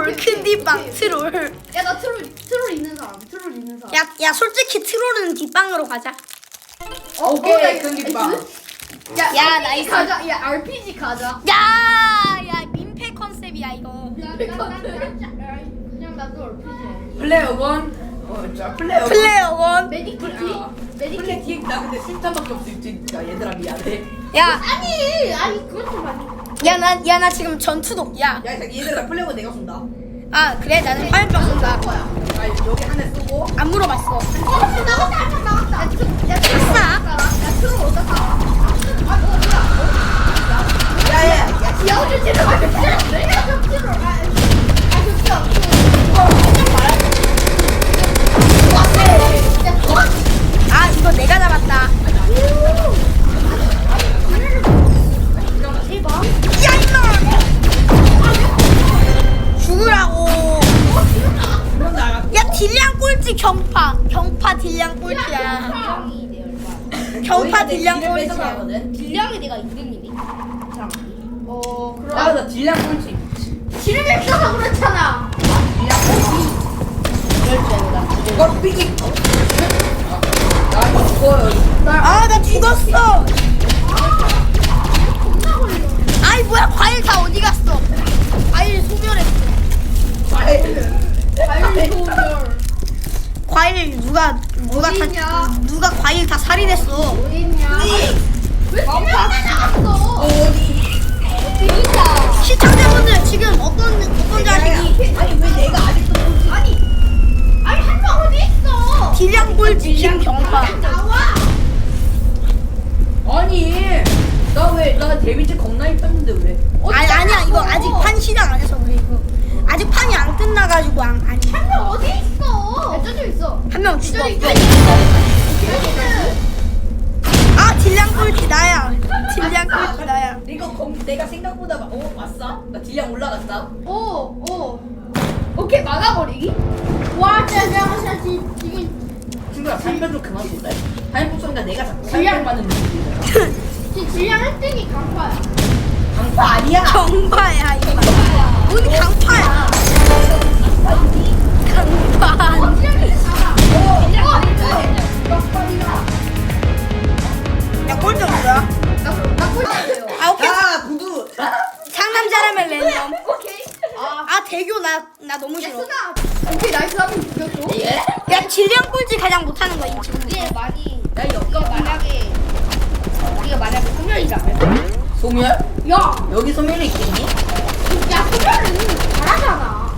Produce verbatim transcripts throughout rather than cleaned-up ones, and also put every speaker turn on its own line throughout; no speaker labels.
얼큰디빵 트롤.
야 나 트롤 트롤 있는 사람. 트롤 있는 사람.
야, 야 솔직히 트롤은 뒷방으로 가자.
어,
오케이,
어, 나
큰디빵.
야,
야,
야
나이스.
가자. 야 알피지 가자.
야, 야 민폐 컨셉이야 이거.
그냥 나도 알피지.
플레어건. 어, 자 플레어건.
플레이어 원.
메디키티?
플레어. 플레
메디키티?
뒤에 나 근데 술탄밖에 없어 진짜 얘들아 미안해.
야,
아니 아니 그것 좀 아니.
야 나, 야 나 지금 전투독. 야,
야 얘들아 플레어건 내가 쏜다.
아 그래 나는 화염병 쏜다.
아 여기 하나 쏘고.
안 물어봤어.
어 나갔다 한명 나갔다. 야 트롤 야 트롤
아싸.
야 트롤 어디다 가? 아 너 뭐야?
야야야.
야 어디 트롤? 아 트롤 내가 좀 트롤. 아 좋죠.
아 이거 내가 잡았다. 야 이놈! 죽으라고. 야 딜량 꼴찌 경파. 경파 딜량 꼴찌야. 경파 딜량 꼴찌야.
딜량이 내가 이 등이니? 어 그럼
나나 딜량 꼴찌.
지름이 없어서 그렇잖아.
어 삐기. 나 이거 죽어요.
아 나 죽었어. 아이 뭐야 과일 다 어디 갔어? 과일 소멸했어.
과일 소멸.
과일 누가 누가
어디 있냐?
다 누가 과일 다 살인했어.
어딨냐? 왜 소멸에 나갔어?
어디?
어디있다?
시청자분들 지금 어떤 어떤 자식이
아니 왜 내가 아직도 꼴찌?
아니 아니 한 명 어디 있어?
딜량 꼴찌 김경파.
나와.
아니 나 왜 나 데뷔때 겁나 있었는데 왜?
아니 아니야 이거 아직 판 시작 안 해서 그래 이거. 아직 판이 안 끝나가지고 안, 아니
한 명 어디 있어? 야 저쪽 있어.
한 명 죽었어.
저기 있어.
아 딜량 꼴찌 나야. 딜량 꼴찌 나야.
이거 검 내가 생각보다 막, 어 왔어? 나 딜량 올라갔다.
오 오. 오케이 막아버리기. 와 짜장면 지금
친구야 살면 좀 그만 쏜다. 살면 쏜다 내가 자꾸
딜량.
살면 받는 느낌이야.
지금 질량 일 등이 강파야.
강파 아니야.
경파야 이거. 뭔 강파야? 강파.
어 질량이 나가. 어
야 꼴찌 뭐야?
나나 꼴찌예요.
아 오케이.
야 구두.
상남자라면 랜덤.
오케이. 아.
아 대교 나 나 너무 싫어.
예스나. 오케이 나이스 한번 죽였어.
예?
야 딜량 꼴찌 가장 못하는 거 인지.
이게 많이.
야 여기가
만약에 이게 만약에 소멸이잖아.
소멸?
야,
여기 소멸이 있겠니?
야 소멸은 잘하잖아.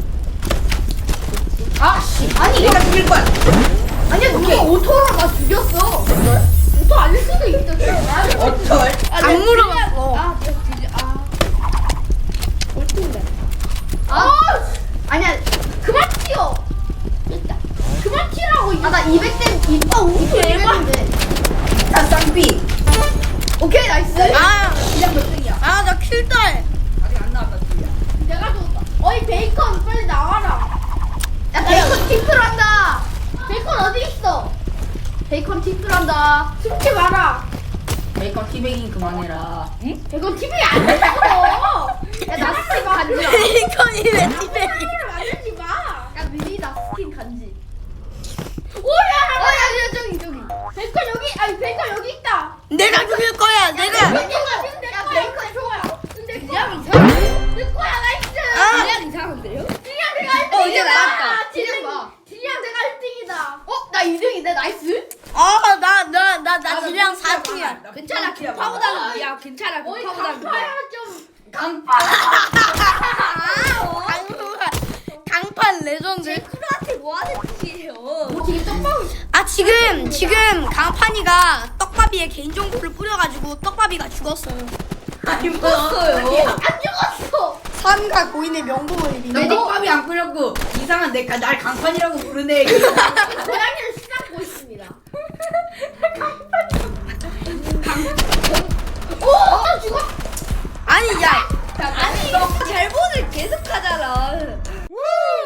아, 씨, 아니
내가 죽일 거야.
아니야 누가 오토로 나 죽였어. 오토 아닐 수도 있어. 잘하는 거.
어쩔?
안 물어봤어.
아, 내가 죽여. 아, 꼴찌인데. 아, 아니야 그만 튀어. 됐다. 그만 튀라고. 아나 이백 대 이빠 오십 했는데.
자 쌍삐.
오케이 나이스.
아,
딜량 몇 등이야?
아, 나 킬달.
아직 안 나왔다 딜량.
내가 줬다. 어이 베이컨 빨리 나와라. 야 베이컨 팁을 한다. 베이컨 어디 있어? 베이컨 팁을 한다. 숨지 마라.
베이컨 티베깅 그만해라. 응?
베이컨 팁이 안 됐어. 야나 스킨 간지 마.
베이컨이 왜 티베이?
카메라를 만들지 마. 야 미리 나 스킨 간지. 오야. 어야 저기 저기. 베이컨 여기 아니 베이컨 여기 있다.
내가 죽일 거야. 내가.
베이컨 야 베이컨 좋아. 근데 그냥 이상해. 내 거야 나이스.
아.
그냥 이상한데요? 그냥 내가 일 등이다.
어, 이제 나왔다.
질량 봐. 질량 내가 일 등이다. 어? 나 이 등인데 나이스?
어, 나, 나, 나, 나 딜량 사 등이야.
괜찮아.
파보다는
야 괜찮아. 어이 강파야 좀.
강파.
강판 레전드.
크루한테 뭐 하는 짓이에요? 뭐 되게 떡밥을.
아 지금 지금 강판이가 떡밥이에 개인정보를 뿌려가지고 떡밥이가 죽었어.
아니 뭐였어요?
안 죽었어.
삼가 고인의 명복을
나
빌어.
떡밥이 안 끓였고 이상한 내가 날 강판이라고 부르네.
고양이를 수납고 있습니다. 오, 나 죽었.
아니 야.
아니 잘못을 계속하잖아.